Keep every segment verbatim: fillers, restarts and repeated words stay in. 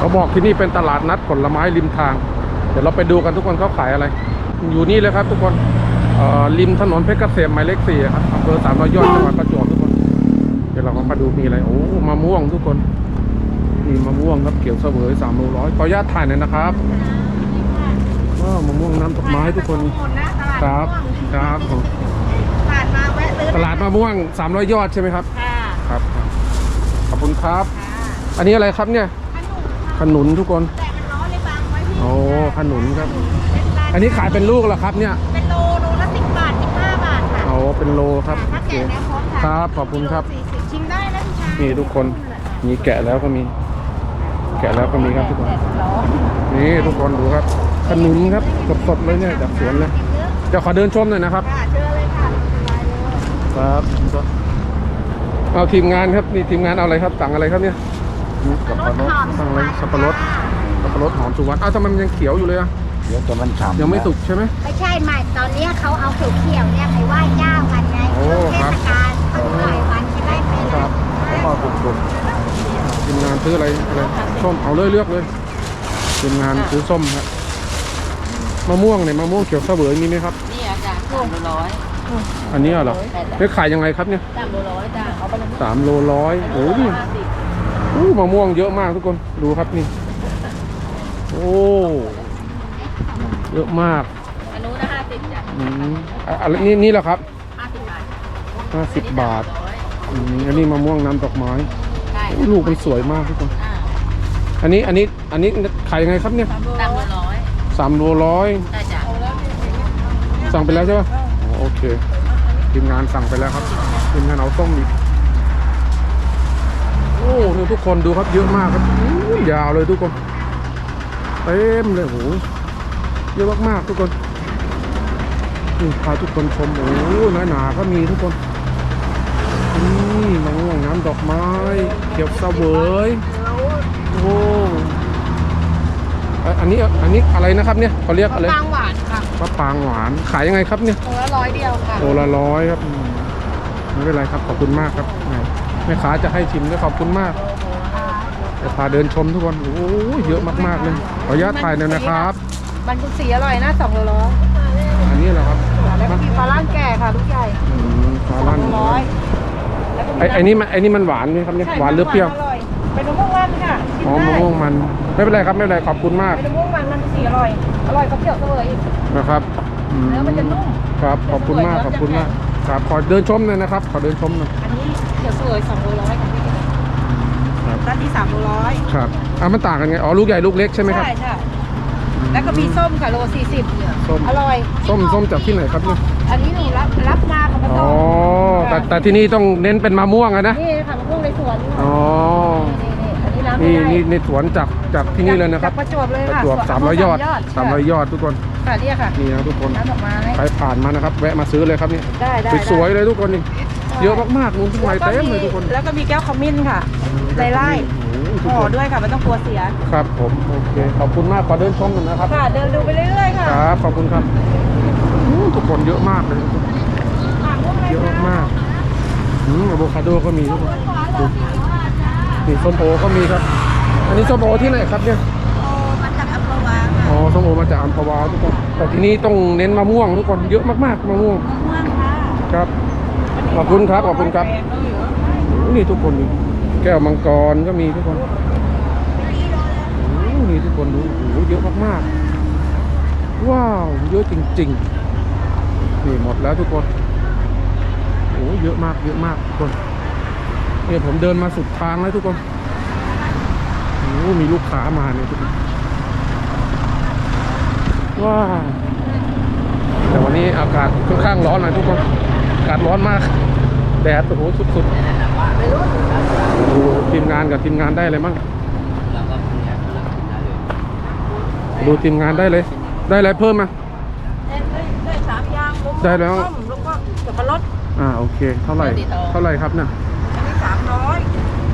เขาบอกที่นี่เป็นตลาดนัดผลไม้ริมทางเดี๋ยวเราไปดูกันทุกคนเขาขายอะไรอยู่นี่เลยครับทุกคนริมถนนเพชรเกษมหมายเลขสี่ครับอำเภอสามร้อยยอดจังหวัดประจวบทุกคนเดี๋ยวเรามาดูมีอะไรโอ้มะม่วงทุกคนมีมะม่วงครับเขียวเสวยสามโลร้อยขออนุญาตถ่ายหน่อยนะครับว้าวมะม่วงน้ำดอกไม้ทุกคนครับครับผมตลาดมะม่วงสามร้อยยอดใช่ไหมครับครับขอบคุณครับอันนี้อะไรครับเนี่ยขนุนทุกคนโอ้ขนุนครับอันนี้ขายเป็นลูกเหรอครับเนี่ยเป็นโลโลละสิบบาทสิบห้าบาทค่ะโอ้เป็นโลครับโอเคครับขอบคุณครับชิมได้นะพี่ชายนี่ทุกคนมีแกะแล้วก็มีแกะแล้วก็มีครับทุกคนนี่ทุกคนดูครับขนุนครับสดๆเลยเนี่ยจากสวนเลยจะขอเดินชมหน่อยนะครับเชิญเลยค่ะครับเอาทีมงานครับนี่ทีมงานเอาอะไรครับสั่งอะไรครับเนี่ยสับปะรดสั่งอะไรสับปะรดสับปะรดหอมสุวรรณอ้าวทำไมมันยังเขียวอยู่เลยอ่ะเดี๋ยวจะมันฉ่ำยังไม่สุกใช่ไหมไม่ใช่ใหม่ตอนนี้เขาเอาเขียวๆเนี่ยไปไหว้เจ้ากันไงช่วงเทศกาลเขาหลายวันจะได้เป็นครับแล้วก็สุกๆทีมงานซื้ออะไรอะไรส้มเอาเลยเลือกเลยทีมงานซื้อส้มครับมะม่วงเนี่ยมะม่วงเขียวเสวยมีไหมครับนี่อาจารย์สามโลร้อยอันนี้เหรอได้ขายยังไงครับเนี่ยสามโลร้อยจ้าเอาไปสามโลร้อยโอ้ยโอ้มะม่วงเยอะมากทุกคนดูครับนี่โอ้เยอะมากอันนู้นนะห้าสิบจ้ะอืมอะไรนี่นี่แหละครับห้าสิบบาทห้าสิบบาทอืมอันนี้มะม่วงน้ำดอกไม้ลูกมันสวยมากทุกคนอันนี้อันนี้อันนี้ขายยังไงครับเนี่ยสามโลร้อยสามโลร้อยใช่จ้ะสั่งไปแล้วใช่ป่ะโอเคทีมงานสั่งไปแล้วครับทีมงานเอาส้มอีกโอ้เนี่ยทุกคนดูครับเยอะมากครับยาวเลยทุกคนเต็มเลยโหเยอะมากๆทุกคนนี่พาทุกคนชมโอ้หนาหนาก็มีทุกคนนี่มะม่วงน้ำดอกไม้เขียวเสวยโอ้อันนี้อันนี้อะไรนะครับเนี่ยเขาเรียกอะไรมะปรางหวานค่ะมะปรางหวานขายยังไงครับเนี่ยโลละร้อยเดียวค่ะโลละร้อยครับไม่เป็นไรครับขอบคุณมากครับแม่ค้าจะให้ชิมด้วยขอบคุณมากจะพาเดินชมทุกคนโอ้เยอะมากๆเลยขออนุญาตถ่ายหน่อยนะครับมันกุสีอร่อยนะสองโลร้อยอันนี้เหรอครับแล้วก็มีปลาล่างแก่ค่ะลูกใหญ่ปลาล่างร้อยไอ้ไอ้นี่มันไอ้นี่มันหวานไหมครับเนี่ยหวานหรือเปรี้ยวเป็นมะม่วงมันค่ะอ๋อมะม่วงมันไม่เป็นไรครับไม่เป็นไรขอบคุณมากเป็นมะม่วงมันมันสีอร่อยอร่อยกับเขียวเสวยอีกนะครับเนื้อมันจะนุ่มครับขอบคุณมากขอบคุณมากครับขอเดินชมหน่อยนะครับขอเดินชมหน่อยอันนี้เขียวเสวยสองโลร้อยค่ะพี่ด้านที่สามโลร้อยครับอ่ะมันต่างกันไงอ๋อลูกใหญ่ลูกเล็กใช่ไหมครับใช่ใช่แล้วก็มีส้มค่ะโลสี่สิบส้มอร่อยส้มส้มจากที่ไหนครับเนี่ยอันนี้หนูรับรับมาค่ะอ๋อแต่แต่ที่นี่ต้องเน้นเป็นมะม่วงอะนะนี่ค่ะมะม่วงในสวนอ๋อนี่นี่ในสวนจากจากที่นี่เลยนะครับประจวบเลยค่ะประจวบสามร้อยยอดสามร้อยยอดทุกคนค่ะนี่ค่ะนี่นะทุกคนน้ำดอกไม้ใครผ่านมานะครับแวะมาซื้อเลยครับนี่ได้ได้สวยเลยทุกคนนี่เยอะมากๆนู้นทุกไม้เต็มเลยทุกคนแล้วก็มีแก้วขมิ้นค่ะไล่ไล่ห่อด้วยค่ะไม่ต้องกลัวเสียครับผมโอเคขอบคุณมากขอเดินชมหน่อยนะครับค่ะเดินดูไปเรื่อยๆค่ะครับขอบคุณครับทุกคนเยอะมากเลยเยอะมากอืมอะโวคาโดก็มีทุกคนนี่ส้มโอก็มีครับอันนี้ส้มโอที่ไหนครับเนี่ยมาจากอัมพวาอ๋อส้มโอมาจากอัมพวาทุกคนแต่ที่นี่ต้องเน้นมะม่วงทุกคนเยอะมากๆมะม่วงมะม่วงค่ะครับขอบคุณครับขอบคุณครับนี่ทุกคนแก้วมังกรก็มีทุกคนนี่ทุกคนดูโอ้โหเยอะมากๆว้าวเยอะจริงๆนี่หมดแล้วทุกคนโอ้เยอะมากเยอะมากทุกคนนี่ผมเดินมาสุดทางแล้วทุกคนโอ้มีลูกค้ามาเนี่ยทุกคนว้าวแต่วันนี้อากาศค่อนข้างร้อนนะทุกคนอากาศร้อนมากแดดโอ้โหสุดๆดูทีมงานกับทีมงานได้เลยมั้งดูทีมงานได้เลยได้อะไรเพิ่มมาได้สามอย่างได้แล้วแล้วก็สับปะรดอ่าโอเคเท่าไหร่เท่าไหร่ครับเนี่ยอันนี้สามร้อย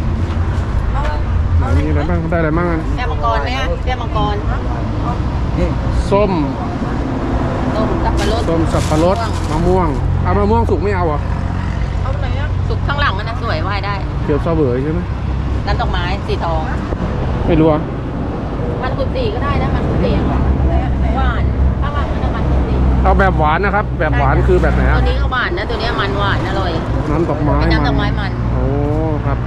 มีอะไรบ้างได้อะไรบ้างแก้วมังกรเนี่ยแก้วมังกรส้มส้มสับปะรดส้มสับปะรดมะม่วงเอามะม่วงสุกไม่เอาอ่ะเอาไหนอ่ะสุกข้างหลังมันนะสวยไหว้ได้เขียวเสวยใช่ไหมน้ำดอกไม้สีทองไม่รู้อ่ะกุฏิก็ได้นะมันกุฏิหวานถ้าหวานมันมันกุฏิเอาแบบหวานนะครับ แบบหวานคือแบบไหนตัวอะนี้ก็หวานนะตัวนี้มันหวานอร่อยน้ำดอกไม้เป็นน้ำดอกไม้มันโอ้ครับ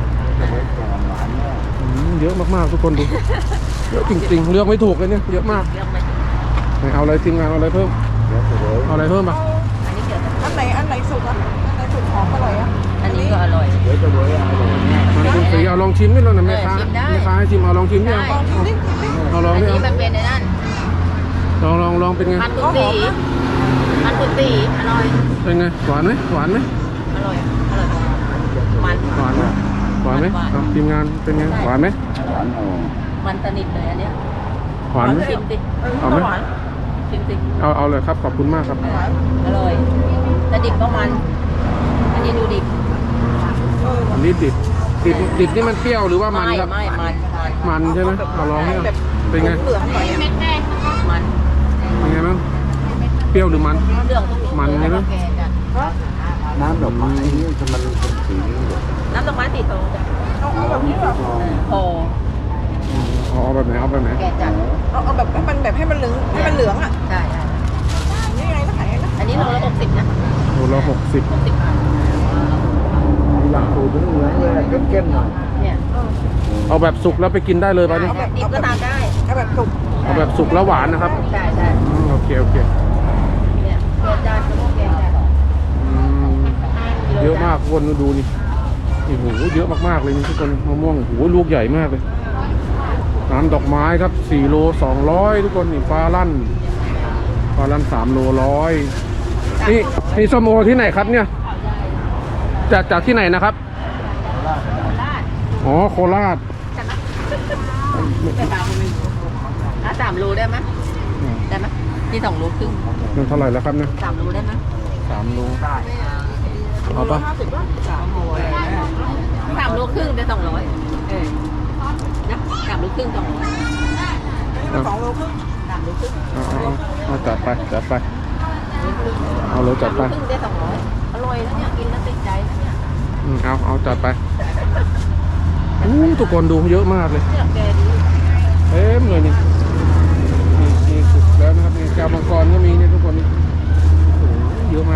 อืมเยอะมากๆทุกคนดู เยอะจริงๆเลือกไม่ถูกเลยเนี่ยเยอะมากเรียกไหมไหนเอาอะไรทีมงานเอาอะไรเพิ่มเอาอะไรเพิ่มปะอันนี้เกี่ยวกับอันไหนอันไหนสุกอ่ะอันไหนสุกหอมอร่อยอ่ะอันนี้ก็อร่อยมันคุณสีเอาลองชิมนิดหน่อยนะแม่ค้าเออชิมได้แม่ค้าให้ชิมเอาลองชิมดิได้เอาเอาลองอันดินี้เอามันเป็นในนั่นลองลองลองเป็นไงมันกุฏิมันกุฏิอร่อยเป็นไงหวานไหมหวานไหมอร่อยอร่อยมันหวานไหมหวานไหมหวานเอาทีมงานเป็นไงหวานไหมมันสนิทเลยอันเนี้ยหวานไหมชิมสิเอาไหมชิมสิเอาเอาเลยครับขอบคุณมากครับอร่อยแต่ดิบก็มัน อันนี้ดูดิบอันนี้ดิบดิบดิบนี่มันเปรี้ยวหรือว่ามันไม่ครับไม่มันมันมันใช่ไหมเอาลองให้เอาเป็นไงเหลืองหน่อยอ่ะมันเป็นไงบ้างเปรี้ยวหรือมันเรื่องทุกอย่างมันใช่ไหมแกจ้ะน้ำดอกไม้นี่จะมันเป็นสีนี้เหรอน้ำดอกไม้สีโตจ้ะเอาเอาแบบนี้แบบโอ้เอาเอาแบบไหนเอาแบบไหนแกจัดเอาเอาแบบให้มันแบบให้มันเหลืองให้มันเหลืองอ่ะใช่ใช่นี่ไงก็ขายไงนะอันนี้โลละหกสิบนะโลละหกสิบหกสิบบาทอยากดูเหลืองๆเลยเก้นๆหน่อยเนี่ยเอาแบบสุกแล้วไปกินได้เลยป่ะนี่ดิบก็ทานได้เอาแบบสุกเอาแบบสุกแล้วหวานนะครับใช่ใช่อืมโอเคโอเคเนี่ยแกจัดแกจัดอืมเยอะมากคนดูนี่โอ้โหเยอะมากๆเลยนี่ทุกคนมะม่วงโอ้โหลูกใหญ่มากเลยน้ำดอกไม้ครับสี่โลสองร้อยทุกคนนี่ฟ้าลั่นฟ้าลั่นสามโลร้อยนี่นี่ส้มโอที่ไหนครับเนี่ยจากจากที่ไหนนะครับราดอ๋อโคราชไปบางคนอ่ะสามโลได้ไหมอืมได้ไหมนี่สองโลครึ่งมันเท่าไหร่แล้วครับเนี่ยสามโลได้ไหมสามโลเอาปะสามโลสามโลครึ่งได้สองร้อยเออนะสามโลครึ่งสองร้อยสองโลครึ่งสามโลครึ่งเอาเอาเอาเอาจัดไปจัดไปเอาเลยจัดไปสามโลครึ่งได้สองร้อยอร่อยแล้วเนี่ยกินแล้วติดใจนะเนี่ยอืมเอาเอาจัดไปอู้ทุกคนดูเยอะมากเลยเนี่ยแกดีเต็มเลยนี่นี่นี่สุกแล้วนะครับนี่แก้วมังกรก็มีนี่ทุกคนนี่โอ้โหเยอะมาก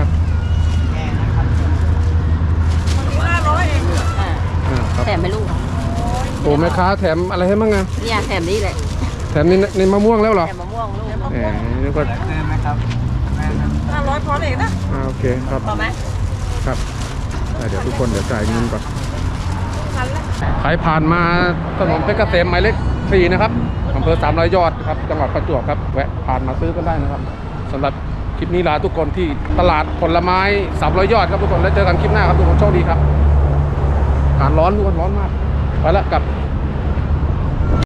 ห้าร้อยเองอ่าอ่าครับแถมไม่ลูกโอ้แม่ค้าแถมอะไรให้บ้างไงเนี่ยแถมนี่แหละแถมนี่ในมะม่วงแล้วเหรอแถมมะม่วงลูกแหมนี่ก็ห้าร้อยพอเองนะอ่าโอเคครับพอไหมครับอ่าเดี๋ยวทุกคนเดี๋ยวจ่ายเงินก่อนพันละใครผ่านมาถนนเพชรเกษมหมายเลขสี่นะครับอำเภอสามร้อยยอดครับจังหวัดประจวบครับแวะผ่านมาซื้อกันได้นะครับสำหรับคลิปนี้ลาทุกคนที่ตลาดผลไม้สามร้อยยอดครับทุกคนแล้วเจอกันคลิปหน้าครับทุกคนโชคดีครับอากาศร้อนทุกคนร้อนมากไปละกลับ